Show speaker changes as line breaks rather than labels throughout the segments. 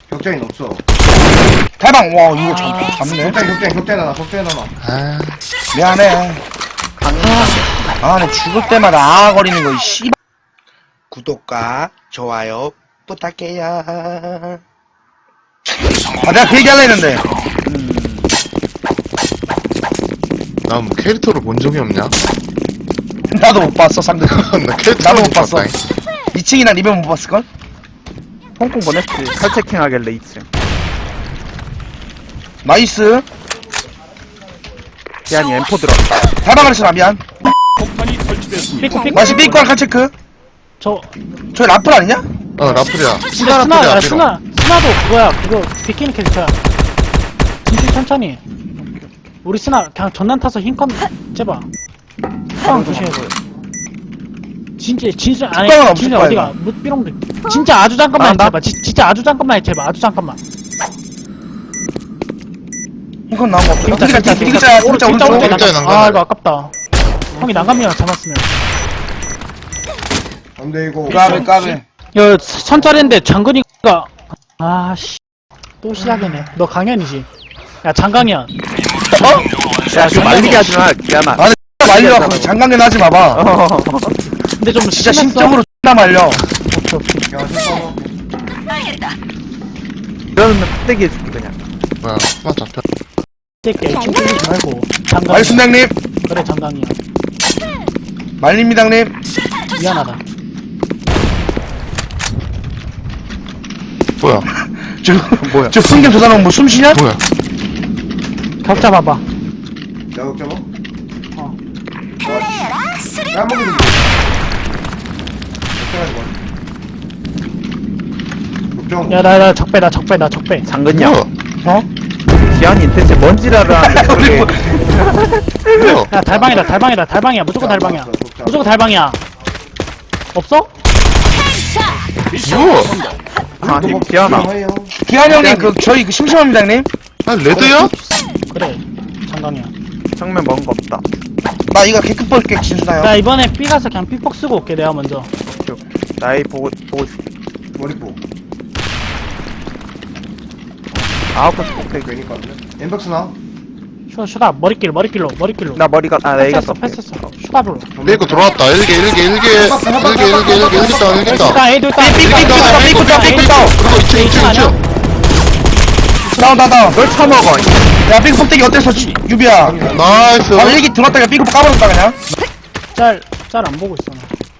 격자인 없어.
대박. 와 이거 잡네.
격자인 하나.
아,
미안해. 내 죽을 때마다 거리는 거, 이 씨발. 구독과 좋아요 부탁해요. 내가 그 얘기 하려 했는데.
난 뭐 캐릭터를 본 적이 없냐?
나도 못 봤어, 상대.
나 캐릭터
나도 못 봤어.
봤다잉.
2층이나 리뷰 못 봤을걸?
홍콩 보냈지. 칼체킹 하길래 2층.
나이스.
기한이 M4 들었다.
대박을 미안.
삐꾸
나이스, 삐꾸랑 칼체크.
저
저기 라플 아니냐?
라플이야.
스나도 그거야. 그거 비키니 캐릭터야. 진짜 천천히. 우리 스나 그냥 전난 타서 흰컨 째봐. 형 조심해 보여. 진짜 아니
뚜껑은 없을
진짜
거야,
어디가 삐롱들. 진짜 아주 잠깐만 해봐. 진짜 아주 잠깐만 해봐. 아주 잠깐만.
이건 나온 거 없어.
진짜
오른쪽.
오른쪽에
난간.
난간을.
이거 아깝다. 형이 난감이랑 잡았으면.
안돼 이거.
까비.
야 선짜리인데 장근이가 아씨 또 시작이네. 너 강현이지? 야 장강현.
야, 좀 말리게 하지 마, 기한아.
말려. 장강연 하지 마봐.
근데 좀
진짜
심했어.
심적으로 X나 말려.
야 됐어.
그러면 흑대기 해줄게, 그냥.
뭐야, 하나 잡혀.
새끼 지금 끌리지 말고 장강현.
말씀 형님.
그래 장강현.
말립니다 형님.
미안하다.
뭐야,
뭐야?
저 풍경 조사놓은 뭐 숨쉬냐?
뭐야.
격자 봐봐.
야 격자 뭐?
어.
까먹이는 거. 격자
야 나 적배.
장근이야.
뭐야,
어?
기한이 대체 뭔 지랄을 하는데, 저게.
뭐야.
야 달방이야. 무조건 달방이야. 무조건 달방이야. 없어?
뭐야.
아니, 기한아.
기한 형님 저희 심심합니다 형님.
레드야?
그래 장강현.
정면 먹은 거 없다.
나 이거 개급 볼게 진수나요.
나 이번에 B 가서 그냥 삐폭 쓰고 올게. 내가 먼저.
나이 보고 줄게.
머리뽀.
아웃코스 꼭대기.
괜히 깠네. 엠박스나.
슈다 머리길로.
나 머리가, 나 A가 떴어.
패스했어. 슈다블로.
메이커 들어왔다. 일개 다운.
나 A도 있다.
삐끗 다운.
그리고 2층.
다운.
널 처먹어.
야 삐끗 폭대기 어땠어 유비야?
나이스.
일기 들어왔다가 삐끗 까버렸다 그냥.
짤 안 보고 있어.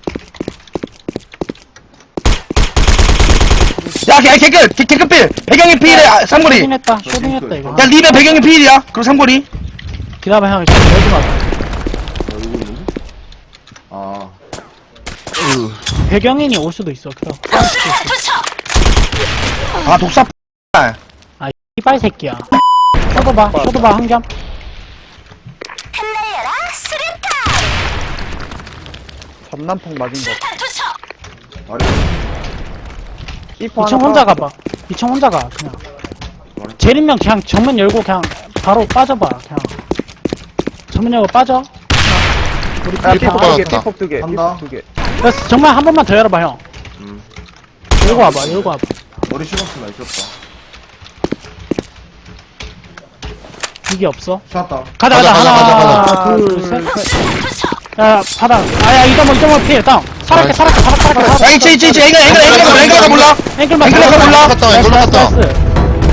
나.
야 개급 필. 배경이 필에 삼거리.
쇼딩했다 이거.
야 리베 배경이 필이야. 그리고 삼거리.
기다려 형. 지금 열지 마.
이거 있는데? 아.
배경인이 올 수도 있어. 그럼.
독사.
이빨 새끼야. 쇼도 봐 한 겸.
전남풍 맞은 거.
말해.
2층 혼자 가봐. 2층 혼자 가. 그냥. 제린명 그냥 정면 열고 그냥 바로 빠져봐. 그냥. 정면 열고 빠져. 우리
야,
삐
삐폭
다.
두 개,
받았다.
삐폭 두 개.
간다.
삐폭 두 개.
그래서 정말 한 번만 더 열어봐 형. 열고 와봐.
머리 씹었으나 있었다.
이게 없어.
쐈다.
가자.
가자.
하나, 둘, 셋. 야 바닥. 아야 이점을 피해. 다운. 살았게.
야 이치 앵글 몰라.
앵글만
앵글만 몰라.
앵글 갔다.
나이스.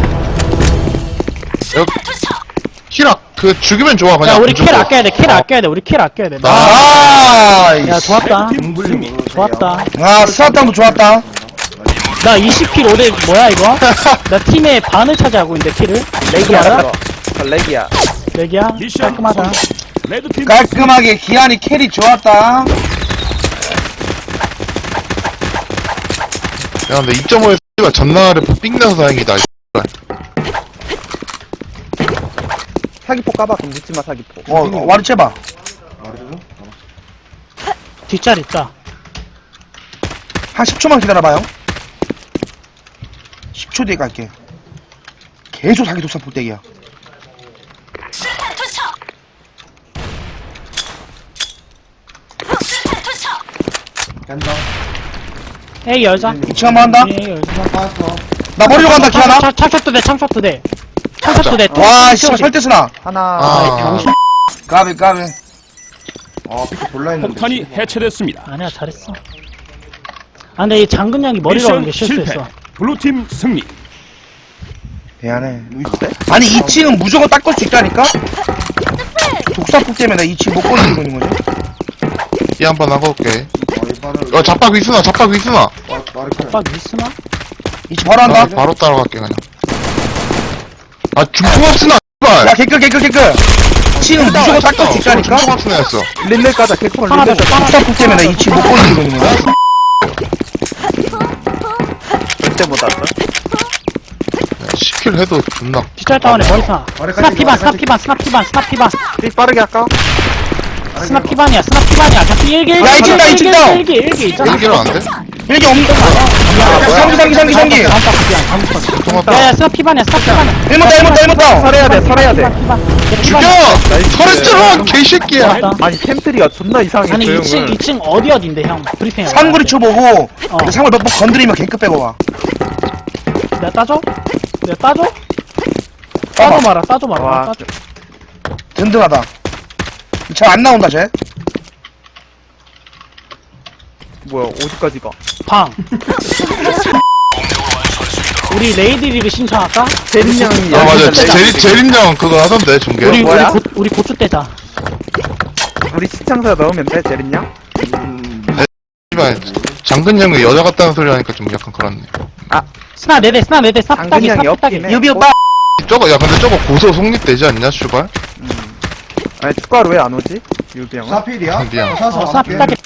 히락, 죽이면 좋아, 그냥.
야 우리 킬
무조건.
아껴야 돼. 우리 킬 아껴야 돼. 야 좋았다. 좋았다.
스타트도 좋았다.
나 20킬 5대 뭐야 이거? 나 팀의 반을 차지하고 있는데 킬을.
렉이야,
알아?
그거. 렉이야.
렉이야? 깔끔하다.
깔끔하게 기한이 캐리 좋았다.
야, 근데 2.5에 전날에 삥 나서 다행이다.
사기포 까봐, 그럼 묻지마, 사기포.
와리 째봐.
말해줘.
뒷자리 있다.
한 10초만 기다려봐요. 10초 뒤에 갈게. 계속 사기 독사 폭대기야.
간다.
A 열자.
2층 한번 한다.
A 열자.
빠졌어.
나 머리로 간다 기아나.
창샷도 돼, 창샷도 돼. 창샷도 돼.
와 씨발 설대스나.
하나.
아.
병신.
까비 까비.
아 피크 졸라 했는데
폭탄이 해체됐습니다.
아니야, 잘했어. 아, 근데 이 장근 양이 머리로 가는 게
미션 실패.
실수했어.
블루팀 승리.
미안해. 아니 2층은 무조건 닦을 수 있다니까? 독사폭 때문에 나 2층 못 걸리고 있는 거지.
이 한번 하고 올게.
아
잡박 위스나, 잡박 위스나.
마리카
오빠 미스나?
2층 바로 한다.
바로 따라갈게, 그냥. 아, 중통합스나, 씨발.
야 개끌 2층은 무조건 닦을 수 있다니까?
중통합스나였어.
릴레이 까자, 개콘
하나
릴레이
더,
까자.
하나 더.
독사폭 때문에 나 2층 못 걸리고 있는 거야.
절대 못 왔어.
10킬 해도 존나.
뒷절 다운에 머리사.
머리까지
스나 피반, 스나
머리까지.
피반, 스나 피반, 스나 피반.
삐 빠르게 할까?
스나 피반이야, 스나 피반이야. 자꾸 일기, 일기.
야, 이층 다, 이층 다.
일기 있잖아.
1기로 안 돼?
일기 없는 상기.
야야, 스나 피반이야, 스나 피반이야.
1못
설해야 돼, 설해야 돼.
죽여! 설했잖아, 개새끼야!
아니, 템트리가 존나 이상해.
아니
그
2층
형은.
2층 어디인데 형 브리핑.
상구리 쳐보고
어.
상구리 몇 번 건드리면 개급 빼고 와.
내가 따줘? 내가 따줘?
따봐.
따줘 마라, 따줘 마라.
와,
따줘.
든든하다. 잘 안 나온다 쟤.
뭐야, 어디까지 가?
방. 우리 레이디 리그 신청할까?
대린 형이
아, 맞아.
여기서
제림장 그거 하던데, 중계.
뭐야?
우리 고추 떼자.
우리 시청자 넣으면 돼, 제린 형?
씨발, 장근 형이 여자 같다는 소리 하니까 좀 약간 그렇네.
스나 네대, 스나 네대, 스나
당근이
피따기,
형이
스나 피따기.
없긴 해.
유비 오빠.
저거, 야, 근데 저거 고소 성립되지 않냐, 슈발?
아니, 축가로 왜 안 오지? 유비 형은?
사필이야?
미안.
사서
스나 피따기.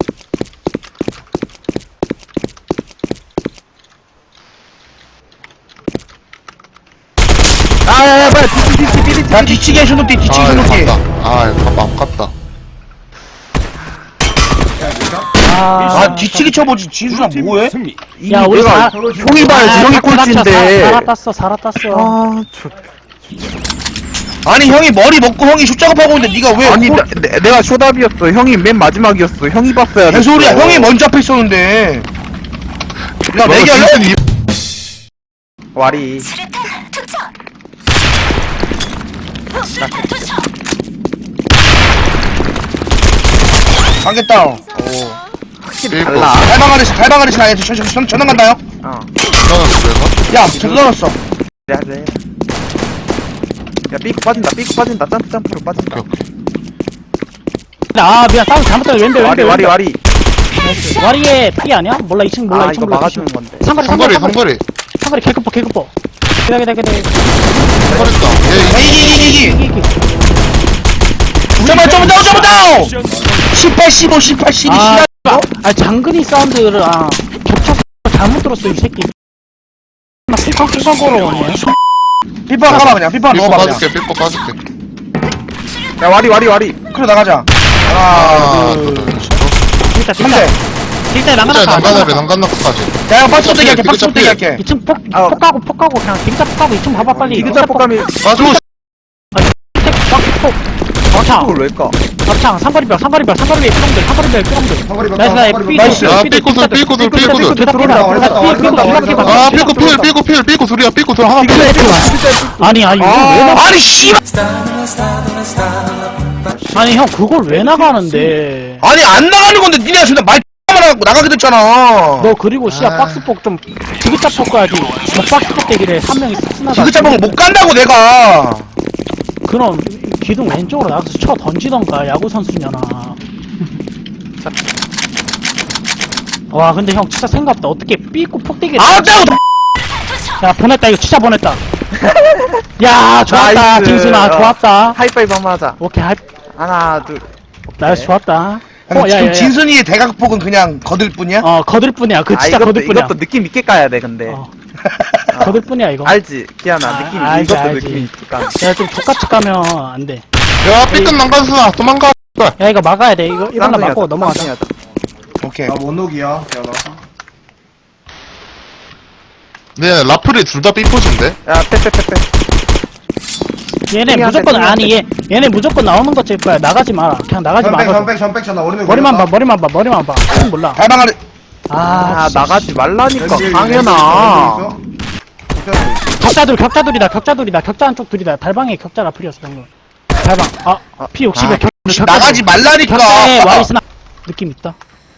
야, 뭐야, 뒤치.
야 뒤치기 해준 놈띠 뒤치기 해준 놈띠.
아, 아깝다.
아 뒤치기 쳐보지 진수랑
블루팀
뭐해?
승리.
야, 우리 사,
형이 봐야지, 형이 꼴찌인데.
살았tas어, 살았tas어.
아, 저.
아니 형이 머리 먹고 형이 슛 작업하고 있는데 네가 왜?
아니, 내가 쇼답이었어. 형이 맨 마지막이었어. 형이 봤어야 돼.
개소리야. 형이 먼저 앞에 있었는데. 야 내기 할래?
와리.
가겠다.
달라.
달방 아저씨 나야 전화 간다요?
어.
야 전화 넣었어.
그래야 돼. 야, 삐꾸 빠진다. 점프로 빠진다.
아, 미안, 싸움 잘못했다. 왼배, 왼배.
와리.
와리의 피 아니야? 몰라, 2층 몰라,
아,
2층
이거
몰라.
막아주는 건데.
성거리.
상거리 개급포. 기다려.
성거리다.
이기. 점프 다운. 18, 15, 12.
아, 장근이 사운드를, 겹쳐서 잘못 들었어, 이 새끼. 나 쿵쾅 걸어오네.
삐빠 가봐 그냥. 삐빠
삐꼬
넣어봐 그냥.
까줄게, 삐꼬 까줄게.
야, 와리.
그래 나가자.
하나, 둘,
일단,
한 대.
일단
진짜
난간나까.
난간나까지.
야 형 박스 대기 할게. 박스 대기 할게.
2층
아.
폭 가고, 그냥 디귿자 폭 가고, 2층 봐봐, 빨리.
디귿자 폭감이
빠져!
박창,
왜 까?
상거리별, 삐롱들.
상거리
나이스,
상거리
나이스.
야, 삐꼬들. 아, 삐꼬 소리야, 삐꼬 소리 하나
아니, 이거 왜 나,
아니 씨발.
아니, 형, 그걸 왜 나가는데.
아니 안 나가는 건데 니네가 존나 말 하고 나가게 됐잖아.
너 그리고 박스폭 좀, 디귿자 폭 가야지. 뭐 박스폭 대기래, 3명이 스나다.
디귿자 보고 못 간다고 내가.
그럼, 기둥 왼쪽으로 나가서 쳐 던지던가, 야구 선수냐나. 와, 근데 형 진짜 생각없다. 어떻게 삐고 폭대기를.
아 짜고.
야, 보냈다. 이거 진짜 보냈다. 야, 좋았다.
나이스.
김순아, 좋았다.
하이파이브 한번 하자.
오케이,
하나, 둘.
나이스, 좋았다.
지금 진순이의 대각폭은 그냥 거들 뿐이야?
거들 뿐이야. 그 진짜 거들 뿐이야.
이것도 느낌 있게 까야 돼, 근데.
거들 뿐이야, 이거.
알지? 기아나, 느낌,
알지,
이것도
알지.
느낌 있게 까.
야, 좀 족같이 까면 안 돼.
야, 삐끗 난간수나, 도망가.
야, 이거 막아야 돼. 이거 하나 막고 넘어가자.
오케이.
나 원녹이야 야나
네, 라플이 둘 다 삐뽀진데?
야, 빼.
얘네
땡이한테,
무조건,
땡이한테.
아니, 얘네 무조건 나오는 거 칠 거야. 나가지 마라. 그냥 나가지 마.
전백 쳤나
머리만 봐. 머리만 봐. 그건 몰라.
달방 아래.
아,
진짜.
나가지 말라니까, 강현아.
격자들이다. 격자 한쪽 둘이다. 달방에 격자 라플이었어 방금. 달방. P60에 격자.
나가지 말라니까.
격자에 와이스나 느낌 있다.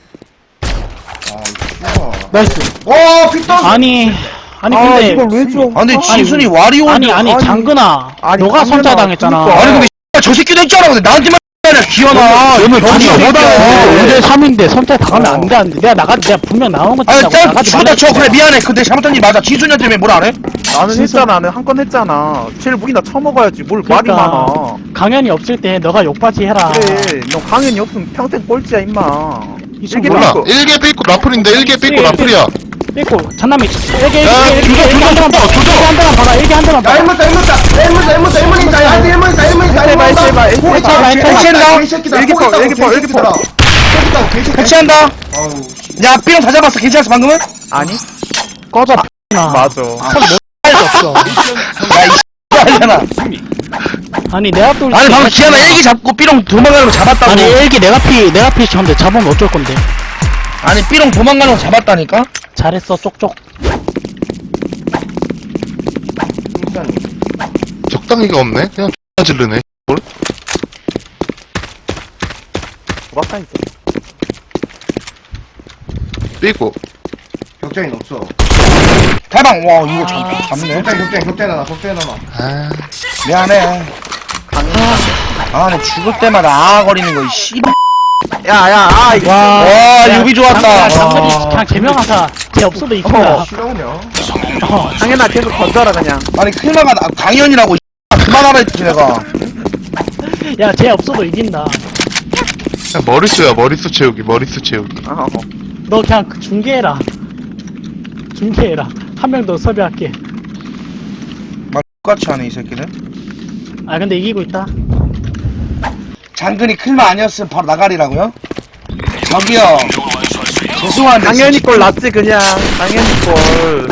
나이스. 아니 근데
이걸 왜 줘?
아, 근데 진순이 와리오.
아니 장근아.
아니,
너가
강현아,
선자당했잖아.
그니까.
아니 근데 저 새끼도 했잖아. 근데 나한테만 아니라 기어나.
너는
병신 새끼야.
5대 3인데 선택 당하면 안 돼. 내가 분명 나온 거
아니
진짜
나 죽었다 쳐. 그래 미안해. 근데 잘못한 일 맞아. 진순이한테 왜 뭘 안 해?
나는 했잖아. 나는 한 건 했잖아. 제일 무기나 처먹어야지. 뭘 말이
그러니까.
많아.
강연이 없을 때 너가 욕바지 해라.
그래. 너 강연이 없으면 평생 꼴찌야 임마.
이 친구
이게
몰라.
삐꾸.
1개 삐꾸 라플인데 1개 삐꾸
예,
라플이야.
뺏고 잔남이 일기
야,
한 대만 박아. 일기 한 대만 박아. 일기 한 대만 박아.
해체한다. 야 삐롱 다 잡았어. 괜찮았어 방금은?
아니?
꺼져 나.
맞아.
없어.
하잖아.
아니 내 앞돌.
아니 방금 기아나 일기 잡고 삐롱 도망가는 거 잡았다고.
아니 일기 내가 피 잡는데 잡으면 어쩔 건데.
아니 삐롱 도망가는 거 잡았다니까?
잘했어 쪽쪽.
적당히가 없네. 그냥 X나 질르네. 뭘?
맞다 있어.
삐꾸.
격자인 없어.
대박. 와 이거 잡네.
격자인 하나.
아,
미안해. 내 죽을 때마다 거리는 거, 이 씨발.
야야 이거.
와, 유비 좋았다.
장근이
와.
그냥 개명하사. 쟤 없어도 이긴다.
싫어하냐?
당연아 계속 던져라 그냥.
아니, 클마가 강연이라고, 그만하라 했지, 내가.
야 쟤 없어도 이긴다.
그냥 머릿수야, 머릿수 채우기, 머릿수 채우기.
너 그냥 중계해라. 한 명 더 섭외할게.
막, 똑같이 하네, 이 새끼는.
근데 이기고 있다.
장근이 클마 아니었으면 바로 나가리라고요? 저기요. 죄송한데.
당연히
진짜-
꼴 낫지 그냥. 당연히 꼴.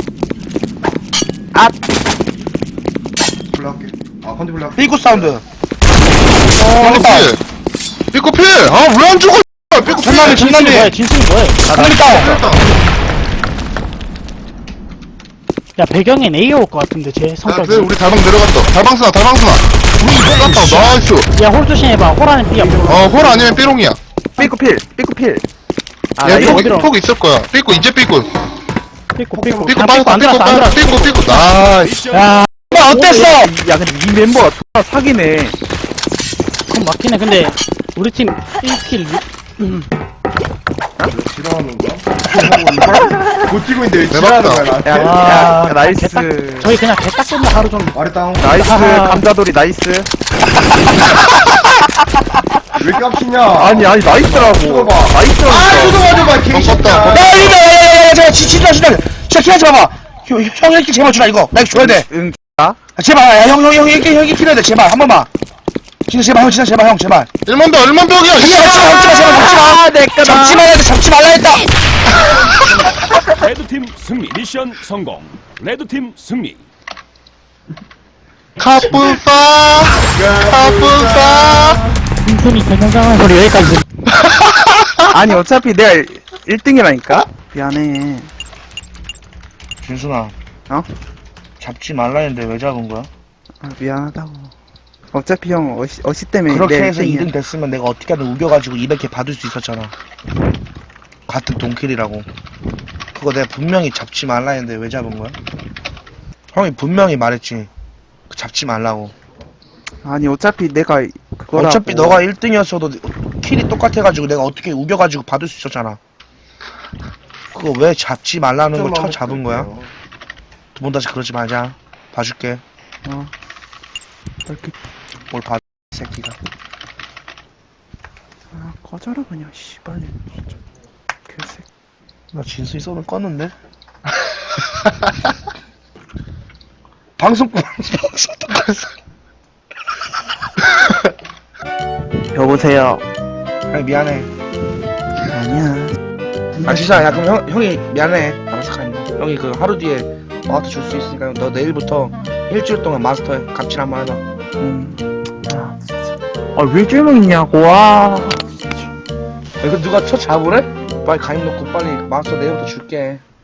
불러갈게. 컨디 불러갈게.
삐꾸 사운드.
삐꾸 필! 삐꾸 필! 아, 왜 안 죽어? 삐꾸 필!
전남이, 전남이.
진승이 뭐해?
장근이 다운.
야 배경엔 A 올 것 같은데 쟤
야,
성격이.
그래, 우리 달방 내려갔다. 달방스나. 깠다, 나이스.
야 홀 조심해봐. 홀하는 B야.
홀 아니면 삐롱이야.
삐꾸필.
야,
이거
어디로?
폭 있을 거야. 삐꾸, 이제 삐꾸.
삐꾸.
삐꾸
아,
빠졌다,
안
삐꾸
들어왔어, 안
빠졌다.
들어왔어.
삐꾸. 나이스.
야
어땠어?
야 근데 이 멤버가 존나 사기네.
그건 맞긴 해. 근데 우리 팀 1킬.
싫어하는 거야? 버티고 있는데 왜
대박이다.
싫어하는 거야, 나한테?
야 나이스.
저희 그냥 개딱졌네 하루 종일.
말이 다운.
나이스.
아하.
감자돌이 나이스.
왜 깜찍냐?
아니 나이스라고.
죽어봐.
나이스라고.
죽어봐, 개새끼야.
야, 진짜. 진짜 키하지 마봐. 형 이렇게 제발 주라, 이거. 나 이거 줘야 돼.
응. 자.
제발, 야, 형 이렇게 필요해 돼. 제발, 한 번만. 진짜 제발, 형, 제발.
1만 벽이야.
내
잡지 말라 했다, 잡지 말라 했다.
레드팀 승리. 미션 성공. 레드팀 승리.
카뿔싸.
승순이 대장장한 소리 여기까지.
아니 어차피 내가 1등이라니까. 미안해.
준순아.
어?
잡지 말라 했는데 왜 잡은 거야?
미안하다고. 어차피 형 어시 때문에
그렇게
내
해서
1등이야.
2등 됐으면 내가 어떻게 하든 우겨가지고 200개 받을 수 있었잖아. 같은 동킬이라고. 그거 내가 분명히 잡지 말라 했는데 왜 잡은 거야? 형이 분명히 말했지. 잡지 말라고.
아니 어차피 내가 그거라고.
어차피 너가 1등이었어도 킬이 똑같아가지고 내가 어떻게 우겨가지고 받을 수 있었잖아. 그거 왜 잡지 말라는 걸 쳐 잡은 거야? 두 번 다시 그러지 말자. 봐줄게.
이렇게
뭘 봐, 이 새끼가.
꺼져라 그냥 씨발 진짜 개새끼.
나 진수이 손을 껐는데? 방송
여보세요.
아니 미안해.
아니야.
진짜 야 그럼 형이 미안해. 알았어 가인다. 형이 그 하루 뒤에 너한테 줄 수 있으니까 너 내일부터 일주일 동안 마스터해. 갑질 한번 해봐.
아 진짜. 왜 줄먹이냐고. 와.
이거 누가 쳐 잡으래? 빨리 가입 놓고 빨리 마스터 내일부터 줄게.